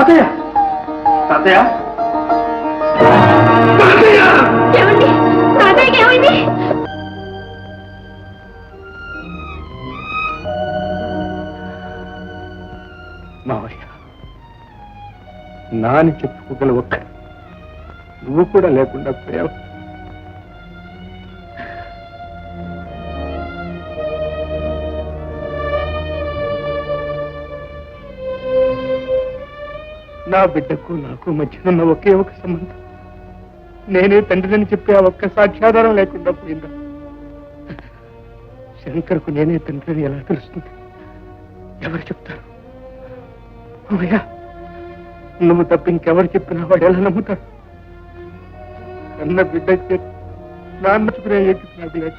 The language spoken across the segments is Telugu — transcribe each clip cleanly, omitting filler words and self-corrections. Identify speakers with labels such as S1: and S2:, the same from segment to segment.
S1: తాతయ్య తాతయ్య
S2: ఏమండి తాతయ్యకి ఏమైంది?
S1: మావయ్య నాని చెప్పుకోగల ఒక్క నువ్వు కూడా లేకుండా పోయావు. నా బిడ్డకు నాకు మధ్య ఉన్న ఒకే ఒక సంబంధం నేనే తండ్రిని చెప్పే ఆ ఒక్క సాక్ష్యాధారం లేకుండా పోయిందా? శంకర్కు నేనే తండ్రిని ఎలా తెలుస్తుంది? ఎవరు చెప్తారు? అమ్మయ్యా, నువ్వు తప్ప ఇంకెవరు చెప్పినా వాడు ఎలా నమ్ముతాడు? కన్న బిడ్డ నాన్నచుకునే నాకు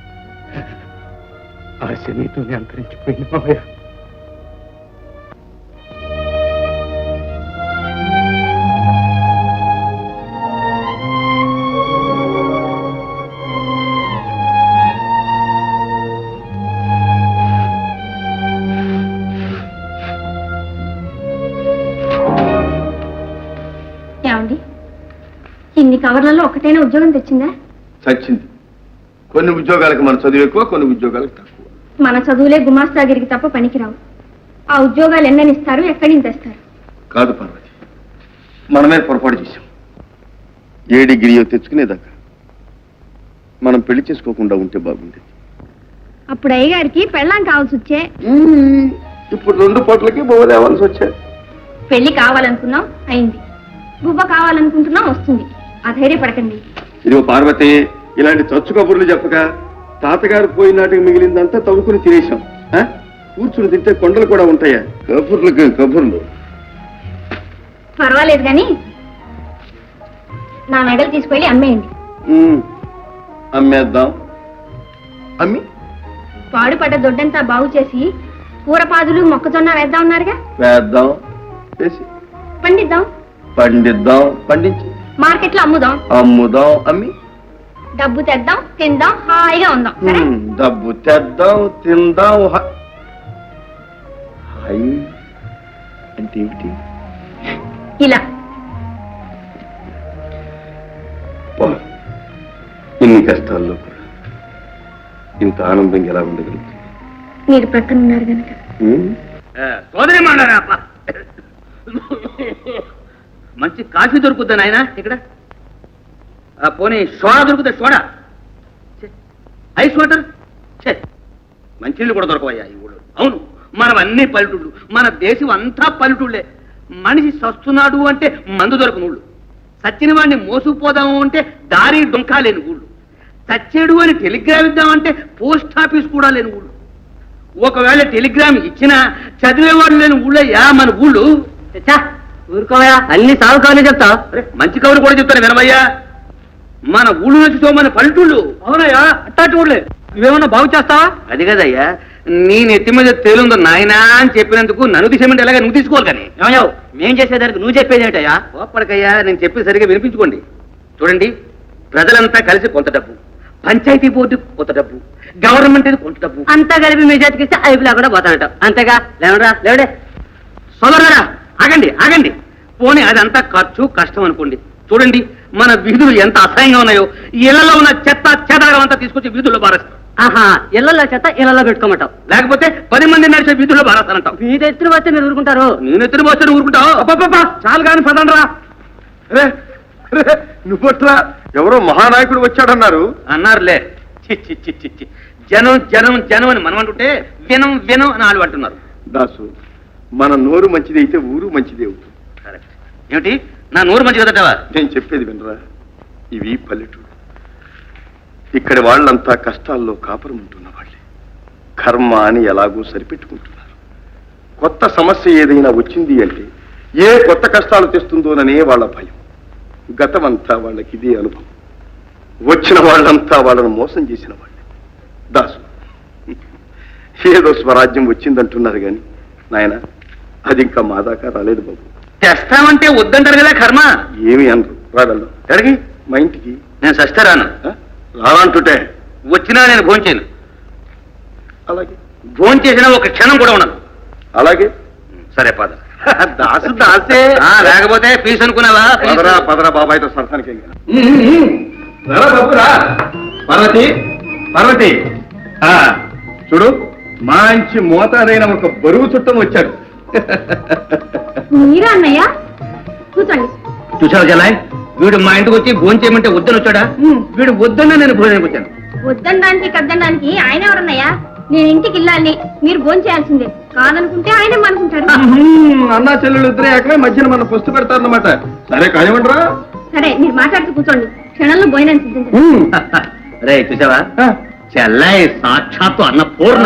S1: ఆశ నీతోనే అంతరించిపోయింది మావయ్య.
S2: ఇన్ని కవర్లలో ఒకటైనా ఉద్యోగం తెచ్చిందా?
S3: చచ్చింది. కొన్ని ఉద్యోగాలకు మన చదువు ఎక్కువ, కొన్ని ఉద్యోగాలకు తక్కువ.
S2: మన చదువులే గుమాస్తాగిరికి తప్ప పనికిరావు. ఆ ఉద్యోగాలు ఎన్నని ఇస్తారు, ఎక్కడి నుంచి తెస్తారు?
S3: కాదు పార్వతి, మనమే పొరపాటు చేశాం. ఏ డిగ్రీయో తెచ్చుకునేదాకా మనం పెళ్లి చేసుకోకుండా ఉంటే బాగుండేది.
S2: అప్పుడు అయ్యగారికి పెళ్ళాం కావాల్సి వచ్చే.
S3: ఇప్పుడు 2 పూటలకి బొవ్వ లేవాల్సి వచ్చాయి.
S2: పెళ్లి కావాలనుకున్నాం, అయింది. గువ్వ కావాలనుకుంటున్నాం, వస్తుంది. అధైర్యపడకండి.
S3: ఇదిగో పార్వతి, ఇలాంటి చచ్చు కబుర్లు చెప్పక తాతగారు పోయినాటికి మిగిలిందంతా తవ్వుకుని తినేశాం. కూర్చుని తింటే కొండలు కూడా ఉంటాయా? కబుర్లకు కబుర్లు.
S2: పర్వాలేదు కానీ నా మెడలు తీసుకెళ్ళి అమ్మేయండి.
S3: అమ్మేద్దాం. అమ్మి
S2: పాడుపడ్డ దొడ్డంతా బాగు చేసి కూరపాదులు మొక్కజొన్న వేద్దాం ఉన్నారుగా.
S3: వేద్దాం, వేసి
S2: పండిద్దాం.
S3: పండిద్దాం, పండించి
S2: మార్కెట్లో అమ్ముదాం.
S3: అమ్ముదాం, అమ్మి
S2: డబ్బు తెద్దాం, తిందాం, హాయిగా ఉందాం.
S3: డబ్బు తెద్దాం, తిందాం. హాయ్ అంటే ఏమిటి?
S2: ఇలా
S3: ఇన్ని కష్టాల్లో కూడా ఇంత ఆనందంగా ఎలా ఉండగలుగుతుంది?
S2: మీరు ప్రక్కన ఉన్నారు కనుక.
S4: సోదరి మాట్లాడా మంచి కాఫీ దొరుకుద్దా నాయన ఇక్కడ? పోనీ సోడా దొరుకుతా? సోడా, ఐస్ వాటర్, మంచినీళ్ళు కూడా దొరకవయ్యా ఈ ఊళ్ళో. అవును, మనవన్నీ పల్లెటూళ్ళు, మన దేశం అంతా పల్లెటూళ్ళే. మనిషి సస్తున్నాడు అంటే మందు దొరకని ఊళ్ళు, సచ్చిన వాడిని మోసుకుపోదాము అంటే దారి డొంకా లేని ఊళ్ళు, చచ్చేడు అని టెలిగ్రామ్ ఇద్దామంటే పోస్ట్ ఆఫీస్ కూడా లేని ఊళ్ళు. ఒకవేళ టెలిగ్రామ్ ఇచ్చినా చదివేవాడు లేని ఊళ్ళయ్యా మన ఊళ్ళు. ఊరుకోవయా, అన్ని సాగు కవులు చెప్తా. మంచి కవులు కూడా చెప్తాను వినవయ్యా. మన ఊళ్ళు నుంచి మన పల్లెటూళ్ళు. అవునయ్యా, అట్టాటి ఊళ్ళే. నువ్వేమన్నా బాగు చేస్తావా? అది కదయ్యా, నీ నెత్తి మీద తేలుందో నాయనా అని చెప్పినందుకు నన్ను తీసేమంటే ఎలాగ నువ్వు తీసుకోవాలి. కానీ ఏమయ్యావు, మేం చేసేదానికి నువ్వు చెప్పేది ఏంటయ్యా? ఓపడకయ్యా, నేను చెప్పి సరిగా వినిపించుకోండి. చూడండి, ప్రజలంతా కలిసి కొంత డబ్బు, పంచాయతీ బోర్డు కొంత డబ్బు, గవర్నమెంట్ కొంత డబ్బు అంతా కలిపి మీ చేతికిస్తే ఐపులా కూడా పోతానట. అంతేగా? లేవరా లేవడే సోదరులారా, ఆగండి ఆగండి. పోనీ అదంతా ఖర్చు కష్టం అనుకోండి. చూడండి మన వీధులు ఎంత అసహ్యంగా ఉన్నాయో. ఇళ్లలో ఉన్న చెత్త చెదారం అంతా తీసుకొచ్చి వీధుల్లో బారేస్తాం. ఆహా, ఇళ్లలో చెత్త ఇళ్లలో పెట్టుకోమంటావు, లేకపోతే 10 మంది నడిచే వీధుల్లో బారేస్తానంటావు. వీధి ఎత్తున వస్తే మీరు ఊరుకుంటారు? నేను ఎత్తున వస్తే ఊరుకుంటావు? చాలు కానీ పదండ్రా.
S3: నువ్వట్లా ఎవరో మహానాయకుడు వచ్చాడన్నారు.
S4: అన్నారులే. చి చి చి చి, జనం జనం జనం అని మనం అంటుంటే వినం వినం అని వాళ్ళు అంటున్నారు.
S3: దాసు, మన నోరు మంచిది అయితే ఊరు మంచిది అవుతుంది.
S4: కరెక్ట్. ఏమిటి నా నోరు మంచి కదటవా?
S3: నేను చెప్పేది వినరా, ఇవి పల్లెటూరు. ఇక్కడి వాళ్ళంతా కష్టాల్లో కాపురం ఉంటున్న వాళ్ళే. కర్మ అని ఎలాగో సరిపెట్టుకుంటున్నారు. కొత్త సమస్య ఏదైనా వచ్చింది అంటే ఏ కొత్త కష్టాలు తెస్తుందోననే వాళ్ళ భయం. గతమంతా వాళ్ళకి ఇదే అనుభవం. వచ్చిన వాళ్ళంతా వాళ్ళను మోసం చేసిన వాళ్ళే. దాసు, ఏదో స్వరాజ్యం వచ్చిందంటున్నారు కానీ నాయన, అది ఇంకా మా దాకా రాలేదు బాబు.
S4: తెస్తామంటే వద్దంటారు కదా కర్మ.
S3: ఏమి అనరు. రాగలరు ఎక్కడికి? మా ఇంటికి.
S4: నేను సస్తే రాను.
S3: రానంటుంటే
S4: వచ్చినా నేను భోంచేయను.
S3: అలాగే.
S4: భోంచేసినా ఒక క్షణం కూడా ఉండను.
S3: అలాగే.
S4: సరే పద.
S3: దాసు దాసే.
S4: లేకపోతే ఫీజు అనుకున్నావా?
S3: పదరా పదరా బాబాయ్తో సరసానికి పార్వతి పార్వతి చూడు మంచి మోతాదైన ఒక బరువు చుట్టం వచ్చాడు.
S2: మీరా అన్నయ్య? కూర్చోండి.
S4: చూసావు జలాయ్, వీడు మా ఇంటికి వచ్చి భోజనం చేయమంటే వద్దని వచ్చాడా? వీడు వద్దన్నా నేను భోజనానికి వచ్చాను.
S2: వద్దనడానికి కద్దనడానికి ఆయన ఎవరన్నయ్యా? నేను ఇంటికి వెళ్ళాలి, మీరు భోజనం చేయాల్సిందే. కాదనుకుంటే ఆయనే అనుకుంటారు.
S3: అన్నా చెల్లెలు ఇద్దరే అక్కడే మధ్యన మన పుస్తు పెడతారన్నమాట. సరే కానివ్వండిరా.
S2: సరే, మీరు మాట్లాడుతూ కూర్చోండి, క్షణంలో భోజనం సిద్ధించండి.
S4: రే చూసావా, చెల్లాయి సాక్షాత్తు అన్న పూర్ణ.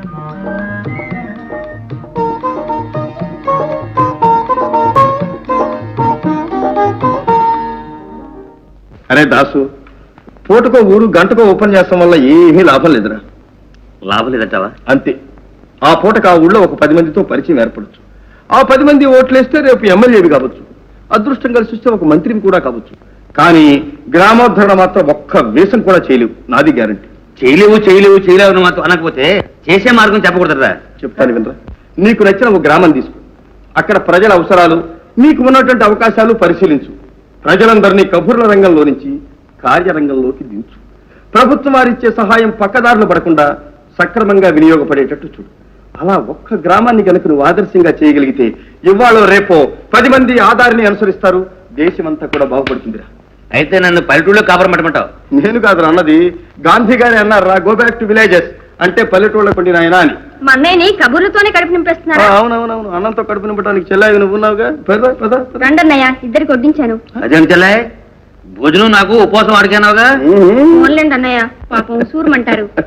S3: అరే దాసు, పూటకో ఊరు గంటకో ఓపెన్ చేస్తాం వల్ల ఏమీ లాభం లేదురా.
S4: లాభం లేదంటావా?
S3: అంతే. ఆ పూటకు ఆ ఊళ్ళో ఒక 10 మందితో పరిచయం ఏర్పడచ్చు. ఆ 10 మంది ఓట్లేస్తే రేపు ఎమ్మెల్యేవి కావచ్చు, అదృష్టం కలిసి వస్తే ఒక మంత్రిని కూడా కావచ్చు. కానీ గ్రామోద్ధరణ మాత్రం ఒక్క వేషం కూడా చేయలేవు, నాది గ్యారంటీ.
S4: చేయలేవు మాత్రం అనకపోతే చేసే మార్గం చెప్పకూడదురా.
S3: చెప్తాను వినరా. నీకు నచ్చిన ఒక గ్రామం తీసుకో, అక్కడ ప్రజల అవసరాలు, మీకు ఉన్నటువంటి అవకాశాలు పరిశీలించు. ప్రజలందరినీ కబుర్ల రంగంలో నుంచి కార్యరంగంలోకి దించు. ప్రభుత్వం వారిచ్చే సహాయం పక్కదారులు పడకుండా సక్రమంగా వినియోగపడేటట్టు చూడు. అలా ఒక్క గ్రామాన్ని కనుక నువ్వు ఆదర్శంగా చేయగలిగితే ఇవాళ రేపో 10 మంది ఆధారిని అనుసరిస్తారు, దేశమంతా కూడా బాగుపడుతుందిరా.
S4: అయితే నన్ను పల్లెటూళ్ళలో కాపురం పెట్టమంటావు?
S3: నేను కాదు అన్నది, గాంధీ గారి అన్నారా, గో బ్యాక్ టు విలేజెస్ అంటే పల్లెటూళ్ళ పండిన ఆయన అని.
S2: మా అన్నయ్యని కబుర్లతోనే కడుపు నింపేస్తున్నారా?
S3: అవునవునవును, అన్నంతో కడుపు నింపడానికి చెల్లాయి నువ్వు ఉన్నావుగా. పద పద.
S2: రండన్నయ్య, ఇద్దరికి వడ్డించాను.
S4: అదేం చెల్లాయి, భోజనం నాకు ఉపవాసం అడిగానావుగా.
S2: ఓన్లేండి అన్నయ్య, పాపం సూరమంటారు.